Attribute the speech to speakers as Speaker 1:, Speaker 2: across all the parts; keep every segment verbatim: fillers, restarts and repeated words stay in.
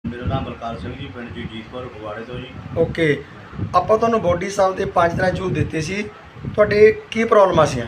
Speaker 1: ਮੇਰਾ ਨਾਮ ਬਲਕਾਰ ਸਿੰਘ ਜੀ, ਪਿੰਡ ਜੀਤਪੁਰ ਫਗਵਾੜੇ ਤੋਂ ਜੀ।
Speaker 2: ਓਕੇ, ਆਪਾਂ ਤੁਹਾਨੂੰ ਬੋਡੀ ਸਾਹਿਬ ਦੇ ਪੰਜ ਤਰ੍ਹਾਂ ਜੂਸ ਦਿੱਤੇ ਸੀ। ਤੁਹਾਡੇ ਕੀ ਪ੍ਰੋਬਲਮਾਂ ਸੀ?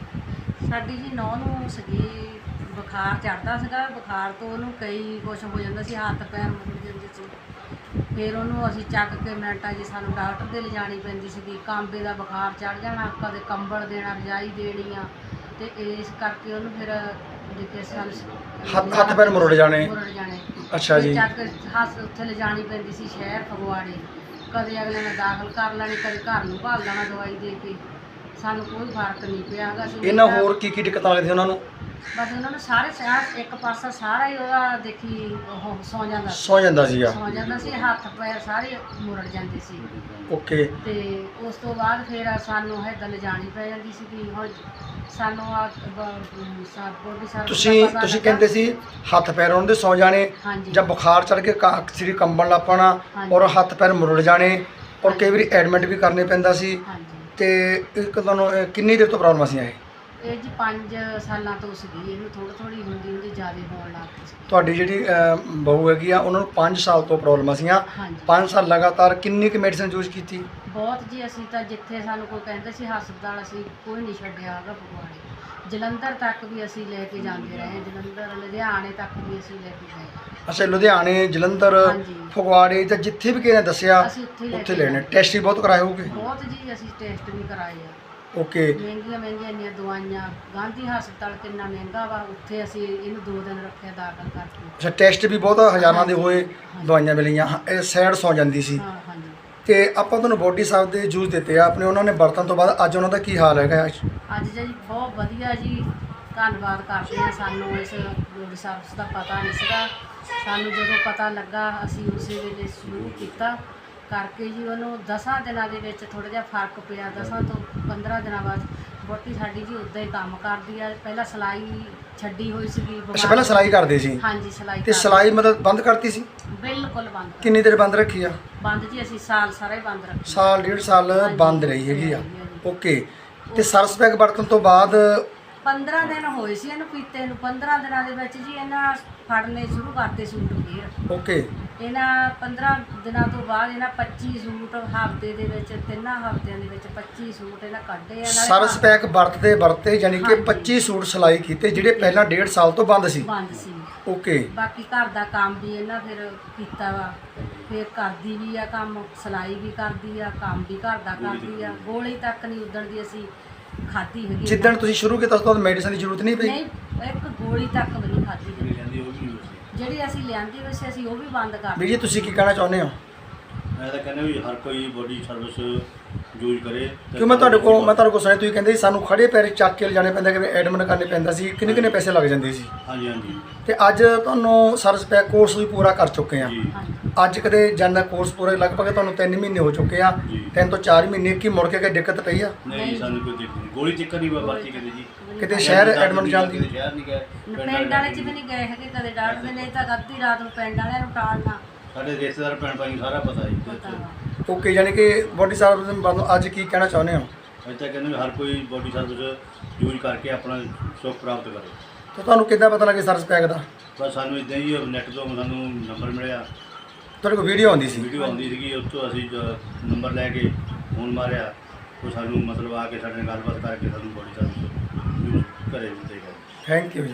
Speaker 3: ਸਾਡੀ ਜੀ ਨੌਂ ਨੂੰ ਸੀਗੀ ਬੁਖਾਰ ਚੜ੍ਹਦਾ ਸੀਗਾ। ਬੁਖਾਰ ਤੋਂ ਉਹਨੂੰ ਕਈ ਕੁਛ ਹੋ ਜਾਂਦਾ ਸੀ, ਹੱਥ ਪੈਰ ਮੁੜ ਜਾਂਦੇ ਸੀ। ਫਿਰ ਉਹਨੂੰ ਅਸੀਂ ਚੱਕ ਕੇ ਮਿੰਟਾਂ 'ਚ ਸਾਨੂੰ ਡਾਕਟਰ ਦੇ ਲਿਜਾਣੀ ਪੈਂਦੀ ਸੀਗੀ। ਕਾਂਬੇ ਦਾ ਬੁਖਾਰ ਚੜ੍ਹ ਜਾਣਾ, ਕਦੇ ਕੰਬਲ ਦੇਣਾ, ਰਜਾਈ ਦੇਣੀ ਆ, ਤੇ ਇਸ ਕਰਕੇ ਉਹਨੂੰ ਫਿਰ ਜਿੱਥੇ ਸਾਨੂੰ
Speaker 2: ਹੱਥ ਹੱਥ ਪੈਰ ਮੁਰੜ ਜਾਣੇ।
Speaker 3: ਮੁਰੜ ਜਾਣੇ
Speaker 2: ਅੱਛਾ ਜੀ।
Speaker 3: ਚੱਕ ਕੇ ਹੱਥ ਉੱਥੇ ਲਿਜਾਣੀ ਪੈਂਦੀ ਸੀ ਸ਼ਹਿਰ ਫਗਵਾੜੇ। ਕਦੇ ਅਗਲੇ ਨੇ ਦਾਖਲ ਕਰ ਲੈਣੀ, ਕਦੇ ਘਰ ਨੂੰ ਭਾਲ ਲੈਣਾ ਦਵਾਈ ਦੇ ਕੇ। ਸਾਨੂੰ ਕੋਈ ਫਰਕ ਨਹੀਂ ਪਿਆ ਹੈਗਾ। ਅਸੀਂ
Speaker 2: ਇਹਨਾਂ ਹੋਰ ਕੀ ਕੀ ਦਿੱਕਤਾਂ ਆਉਂਦੀਆਂ ਸੀ ਉਹਨਾਂ ਨੂੰ?
Speaker 3: ਬਸ ਉਹਨਾਂ ਨੂੰ ਸਾਰੇ ਸਾਹ ਇੱਕ ਪਾਸਾ ਸਾਰਾ ਹੀ ਉਹਦਾ ਦੇਖੀ ਉਹ ਸੌ ਜਾਂਦਾ ਸੀ
Speaker 2: ਸੌ ਜਾਂਦਾ ਸੀਗਾ।
Speaker 3: ਸੌ ਜਾਂਦਾ ਸੀ, ਹੱਥ ਪੈਰ ਸਾਰੇ ਮੁਰੜ ਜਾਂਦੇ ਸੀ।
Speaker 2: ਓਕੇ,
Speaker 3: ਤੇ ਉਸ ਤੋਂ ਬਾਅਦ ਫਿਰ ਸਾਨੂੰ ਹੈਦਲ ਲਿਜਾਣੀ ਪੈ ਜਾਂਦੀ ਸੀ ਕਿ ਹੁਣ ਸਾਨੂੰ ਆ ਬੋਡੀ ਸਾਰ
Speaker 2: ਤੁਸੀਂ ਤੁਸੀਂ ਕਹਿੰਦੇ ਸੀ ਹੱਥ ਪੈਰ ਉਹਨਾਂ ਦੇ ਸੌ ਜਾਣੇ,
Speaker 3: ਹਾਂਜੀ
Speaker 2: ਜਾਂ ਬੁਖਾਰ ਚੜ ਕੇ ਸਰੀਰ ਕੰਬਣ ਲੱਗ ਪੈਣਾ,
Speaker 3: ਹਾਂਜੀ।
Speaker 2: ਔਰ ਹੱਥ ਪੈਰ ਮੁਰੜ ਜਾਣੇ, ਔਰ ਕਈ ਵਾਰੀ ਐਡਮਿਟ ਵੀ ਕਰਨੇ ਪੈਂਦਾ ਸੀ।
Speaker 3: ਹਾਂਜੀ।
Speaker 2: ਤੇ ਇੱਕ ਤੁਹਾਨੂੰ ਇਹ ਕਿੰਨੀ ਦੇਰ ਤੋਂ ਪ੍ਰੋਬਲਮ ਸੀ ਇਹ?
Speaker 3: ਇਹ ਜੀ ਪੰਜ ਸਾਲਾਂ ਤੋਂ ਸੀਗੀ, ਇਹਨੂੰ ਥੋੜ੍ਹੀ ਥੋੜ੍ਹੀ ਹੁੰਦੀ ਹੁੰਦੀ ਜ਼ਿਆਦਾ ਹੋਣ ਲੱਗ ਪਈ ਸੀ।
Speaker 2: ਤੁਹਾਡੀ ਜਿਹੜੀ ਅਹ, ਬਹੂ ਹੈਗੀ ਆ, ਉਹਨਾਂ ਨੂੰ ਪੰਜ ਸਾਲ ਤੋਂ ਪ੍ਰੋਬਲਮਾਂ ਸੀਆਂ।
Speaker 3: ਹਾਂਜੀ
Speaker 2: ਪੰਜ ਸਾਲ ਲਗਾਤਾਰ ਕਿੰਨੀ ਕੁ ਮੈਡੀਸਨ ਯੂਜ਼ ਕੀਤੀ?
Speaker 3: ਬਹੁਤ ਜੀ। ਅਸੀਂ ਤਾਂ ਜਿੱਥੇ ਸਾਨੂੰ ਕੋਈ ਕਹਿੰਦੇ ਸੀ ਹਸਪਤਾਲ, ਅਸੀਂ ਕੋਈ ਨਹੀਂ ਛੱਡਿਆ ਹੈਗਾ। ਫਗਵਾੜੇ ਜਲੰਧਰ ਤੱਕ ਵੀ ਅਸੀਂ ਲੈ ਕੇ ਜਾਂਦੇ ਰਹੇ, ਜਲੰਧਰ ਲੁਧਿਆਣੇ ਤੱਕ ਵੀ ਅਸੀਂ ਲੈ ਕੇ ਗਏ।
Speaker 2: ਅੱਛਾ, ਲੁਧਿਆਣੇ, ਜਲੰਧਰ,
Speaker 3: ਹਾਂਜੀ।
Speaker 2: ਫਗਵਾੜੇ ਜਾਂ ਜਿੱਥੇ ਵੀ ਕਿਸੇ ਨੇ ਦੱਸਿਆ
Speaker 3: ਅਸੀਂ ਉੱਥੇ ਲੈ
Speaker 2: ਉੱਥੇ
Speaker 3: ਕੇ
Speaker 2: ਲੈਣੇ। ਟੈਸਟ ਵੀ ਬਹੁਤ ਕਰਾਏ ਹੋਗੇ?
Speaker 3: ਬਹੁਤ ਜੀ, ਅਸੀਂ ਟੈਸਟ ਵੀ ਕਰਾਏ ਆ।
Speaker 2: ਓਕੇ,
Speaker 3: ਮਹਿੰਗੀਆਂ ਮਹਿੰਗੀਆਂ ਇੰਨੀਆਂ ਦਵਾਈਆਂ। ਗਾਂਧੀ ਹਸਪਤਾਲ ਕਿੰਨਾ ਮਹਿੰਗਾ ਵਾ, ਉੱਥੇ ਅਸੀਂ ਇਹਨੂੰ ਦੋ ਦਿਨ ਰੱਖਿਆ ਦਾਖਲ ਕਰਕੇ।
Speaker 2: ਅੱਛਾ, ਟੈਸਟ ਵੀ ਬਹੁਤ ਹਜ਼ਾਰਾਂ ਦੇ ਹੋਏ, ਦਵਾਈਆਂ ਮਿਲੀਆਂ। ਹਾਂ, ਇਹ ਸਾਈਡ ਸੌ ਜਾਂਦੀ ਸੀ।
Speaker 3: ਹਾਂ ਹਾਂਜੀ।
Speaker 2: ਤੇ ਆਪਾਂ ਤੁਹਾਨੂੰ ਬੋਡੀ ਸਾਹਿਬ ਦੇ ਜੂਸ ਦਿੱਤੇ ਆ ਆਪਣੇ, ਉਹਨਾਂ ਨੇ ਵਰਤਣ ਤੋਂ ਬਾਅਦ ਅੱਜ ਉਹਨਾਂ ਦਾ ਕੀ ਹਾਲ ਹੈਗਾ?
Speaker 3: ਅੱਜ ਜੀ ਬਹੁਤ ਵਧੀਆ ਜੀ, ਧੰਨਵਾਦ ਕਰਦੇ ਹਾਂ। ਸਾਨੂੰ ਇਸ ਬੋਡੀ ਸਰਵਿਸ ਦਾ ਪਤਾ ਨਹੀਂ ਸੀਗਾ। ਸਾਨੂੰ ਜਦੋਂ ਪਤਾ ਲੱਗਾ ਅਸੀਂ ਉਸੇ ਵੇਲੇ ਸ਼ੁਰੂ ਕੀਤਾ ਕਰਕੇ ਜੀ। ਉਹਨੂੰ ਦਸਾਂ ਦਿਨਾਂ ਦੇ ਵਿੱਚ ਥੋੜ੍ਹਾ ਜਿਹਾ ਫਰਕ ਪਿਆ। ਦਸਾਂ ਤੋਂ ਪੰਦਰਾਂ ਦਿਨਾਂ ਬਾਅਦ ਵਹੁਟੀ ਸਾਡੀ ਜੀ ਉੱਦਾਂ ਹੀ ਕੰਮ ਕਰਦੀ ਆ। ਪਹਿਲਾਂ ਸਿਲਾਈ ਛੱਡੀ ਹੋਈ ਸੀਗੀ।
Speaker 2: ਅੱਛਾ, ਪਹਿਲਾਂ ਸਿਲਾਈ ਕਰਦੇ ਸੀ?
Speaker 3: ਹਾਂਜੀ, ਸਿਲਾਈ
Speaker 2: ਤੇ
Speaker 3: ਕਰਦੀ।
Speaker 2: ਸਿਲਾਈ ਮਤਲਬ ਬੰਦ ਕਰਤੀ ਸੀ?
Speaker 3: ਬਿਲਕੁਲ ਬੰਦ ਕਰ-
Speaker 2: ਕਿੰਨੀ ਦੇਰ ਬੰਦ ਰੱਖੀ ਆ?
Speaker 3: ਬੰਦ ਜੀ, ਅਸੀਂ ਸਾਲ ਸਾਰਾ ਹੀ ਬੰਦ ਰੱਖਿਆ।
Speaker 2: ਸਾਲ ਡੇਢ ਸਾਲ
Speaker 3: ਹਾਂਜੀ,
Speaker 2: ਬੰਦ ਰਹੀ ਹੈਗੀ ਆ।
Speaker 3: ਹਾਂਜੀ, ਹਾਂਜੀ।
Speaker 2: ਓਕੇ, ਤੇ ਸਰਸ ਪੈਕ ਵਰਤਣ ਤੋਂ ਬਾਅਦ
Speaker 3: ਪੰਦਰਾਂ ਦਿਨ ਹੋਏ ਸੀ ਇਹਨੂੰ ਪੀਤੇ ਨੂੰ। ਪੰਦਰਾਂ ਦਿਨਾਂ ਦੇ ਵਿੱਚ ਜੀ ਇਹਨਾਂ ਫੜਨੇ ਸ਼ੁਰੂ ਕਰਤੇ ਸੂਟ ਫੇਰ।
Speaker 2: ਓਕੇ,
Speaker 3: ਇਹਨਾਂ ਪੰਦਰਾਂ ਦਿਨਾਂ ਤੋਂ ਬਾਅਦ ਇਹਨਾਂ ਪੱਚੀ ਸੂਟ ਹਫ਼ਤੇ ਦੇ ਵਿੱਚ, ਤਿੰਨਾਂ ਹਫ਼ਤਿਆਂ ਦੇ ਵਿੱਚ ਪੱਚੀ ਸੂਟ ਇਹਨਾਂ ਕੱਢੇ ਆ। ਨਾਲੇ
Speaker 2: ਸਰਸ ਪੈਕ ਵਰਤਦੇ ਵਰਤੇ ਯਾਨੀ ਕਿ
Speaker 3: ਹਾਂਜੀ।
Speaker 2: ਪੱਚੀ ਸੂਟ ਸਿਲਾਈ ਕੀਤੇ ਜਿਹੜੇ ਪਹਿਲਾਂ ਡੇਢ ਸਾਲ ਤੋਂ ਬੰਦ ਸੀ।
Speaker 3: ਬੰਦ ਸੀ।
Speaker 2: ਓਕੇ,
Speaker 3: ਬਾਕੀ ਘਰ ਦਾ ਕੰਮ ਵੀ ਇਹਨਾਂ ਫਿਰ ਕੀਤਾ ਵਾ। ਫਿਰ ਕਰਦੀ ਵੀ ਆ ਕੰਮ, ਸਿਲਾਈ ਵੀ ਕਰਦੀ ਆ, ਕੰਮ ਵੀ ਘਰ ਦਾ ਕਰਦੀ ਆ। ਗੋਲੀ ਤੱਕ ਨਹੀਂ ਉਦਣ ਦੀ ਅਸੀਂ ਖਾਧੀ ਹੈਗੀ।
Speaker 2: ਜਿੱਦਣ ਤੁਸੀਂ ਸ਼ੁਰੂ ਕੀਤਾ ਉਸ ਤੋਂ ਬਾਅਦ ਮੈਡੀਸਨ ਦੀ ਜ਼ਰੂਰਤ ਨਹੀਂ ਪਈ?
Speaker 3: ਨਹੀਂ, ਇੱਕ ਗੋਲੀ ਤੱਕ ਵੀ ਨਹੀਂ ਖਾਧੀ
Speaker 1: ਜਿਹੜੀ
Speaker 3: ਜਾਂਦੀ।
Speaker 1: ਕਹਿੰਦੀ ਉਹ ਵੀ ਨਹੀਂ ਹੋਈ।
Speaker 3: ਜਿਹੜੀ ਅਸੀਂ ਲਿਆਂਦੀ ਵੈਸੇ ਅਸੀਂ ਉਹ ਵੀ ਬੰਦ ਕਰ
Speaker 2: ਵੀਰ ਜੀ, ਤੁਸੀਂ ਕੀ ਕਹਿਣਾ ਚਾਹੁੰਦੇ ਹੋ?
Speaker 1: ਮੈਂ ਤਾਂ ਕਹਿੰਦਾ ਵੀ ਹਰ ਕੋਈ ਬੋਡੀ ਸਰਵਿਸ ਯੂਜ਼ ਕਰੇ।
Speaker 2: ਕਿਉਂ ਮੈਂ ਤੁਹਾਡੇ ਕੋਲ ਮੈਂ ਤੁਹਾਡੇ ਕੋਲ ਸੁਣਿਆ ਤੁਸੀਂ ਕਹਿੰਦੇ ਸੀ ਸਾਨੂੰ ਖੜੇ ਪੈਰ ਚੱਕ ਕੇ ਲਿਜਾਣੇ ਪੈਂਦਾ, ਕਿ ਐਡਮਿਟ ਕਰਨੇ ਪੈਂਦਾ ਸੀ, ਕਿੰਨੇ ਕਿੰਨੇ ਪੈਸੇ ਲੱਗ ਜਾਂਦੇ ਸੀ।
Speaker 1: ਹਾਂਜੀ ਹਾਂਜੀ
Speaker 2: ਤੇ ਅੱਜ ਤੁਹਾਨੂੰ ਸਰਸ ਪੈਕ ਕੋਰਸ ਵੀ ਪੂਰਾ ਕਰ ਚੁੱਕੇ ਆ।
Speaker 1: ਜੀ
Speaker 3: ਹਾਂਜੀ।
Speaker 2: ਅੱਜ ਕਦੇ ਜਾਂਦਾ ਕੋਰਸ ਪੂਰਾ ਲਗਭਗ ਤੁਹਾਨੂੰ ਤਿੰਨ ਮਹੀਨੇ ਹੋ ਚੁੱਕੇ ਆ।
Speaker 1: ਜੀ।
Speaker 2: ਤਿੰਨ ਤੋਂ ਚਾਰ ਮਹੀਨੇ ਕੀ ਮੁੜ ਕੇ ਕੋਈ ਦਿੱਕਤ ਪਈ ਆ?
Speaker 1: ਨਹੀਂ, ਸਾਨੂੰ ਕੋਈ ਦਿੱਕਤ ਨਹੀਂ। ਗੋਲੀ ਚੱਕਰ ਨਹੀਂ ਵਰਤੀ ਕਦੇ ਜੀ।
Speaker 2: ਕਿਤੇ ਸ਼ਹਿਰ ਐਡਮਿਟ ਜਾਂਦੀ?
Speaker 1: ਕਿਤੇ ਸ਼ਹਿਰ ਨਹੀਂ ਗਏ,
Speaker 3: ਪਿੰਡ ਵਾਲੇ ਚ ਵੀ ਨਹੀਂ ਗਏ ਹੈਗੇ ਕਦੇ ਡਾਕਟਰ ਦੇ। ਨਹੀਂ ਤਾਂ ਅੱਧੀ ਰਾਤ ਨੂੰ ਪਿੰਡ ਵਾਲਿਆਂ ਨੂੰ ਟਾਲਣਾ
Speaker 1: ਸਾਡੇ ਰਿਸ਼ਤੇਦਾਰ ਭੈਣ ਭਾਈ ਨੂੰ ਸਾਰਾ ਪਤਾ ਜੀ।
Speaker 3: ਪਤਾ ਵਾ।
Speaker 2: ਓਕੇ, ਯਾਨੀ ਕਿ ਬੋਡੀ ਸਾਹਿਬ ਨੂੰ ਅੱਜ ਕੀ ਕਹਿਣਾ ਚਾਹੁੰਦੇ ਹੋ?
Speaker 1: ਅਸੀਂ ਤਾਂ ਕਹਿੰਦੇ ਵੀ ਹਰ ਕੋਈ ਬੋਡੀ ਸਰਵਿਸ ਯੂਜ਼ ਕਰਕੇ ਆਪਣਾ ਸੁੱਖ ਪ੍ਰਾਪਤ ਕਰੇ।
Speaker 2: ਤੇ ਤੁਹਾਨੂੰ ਕਿੱਦਾਂ ਪਤਾ ਲੱਗੇ ਸਰਸ ਪੈਕ ਦਾ?
Speaker 1: ਬਸ ਸਾਨੂੰ ਇਦਾਂ ਹੀ ਨੈੱਟ ਤੋਂ ਸਾਨੂੰ ਨੰਬਰ ਮਿਲਿਆ,
Speaker 2: ਤੁਹਾਡੇ ਕੋਲ ਵੀਡੀਓ ਆਉਂਦੀ ਸੀ?
Speaker 1: ਵੀਡੀਓ ਆਉਂਦੀ ਸੀਗੀ, ਉਸ ਤੋਂ ਅਸੀਂ ਨੰਬਰ ਲੈ ਕੇ ਫੋਨ ਮਾਰਿਆ। ਉਹ ਸਾਨੂੰ ਮਤਲਬ ਆ ਕੇ ਸਾਡੇ ਨਾਲ ਗੱਲਬਾਤ ਕਰਕੇ ਸਾਨੂੰ ਬੋਡੀ ਸਰਵਿਸ ਯੂਜ਼ ਕਰੇ ਦਿੱਤੇ ਗਏ।
Speaker 2: ਥੈਂਕ ਯੂ ਜੀ।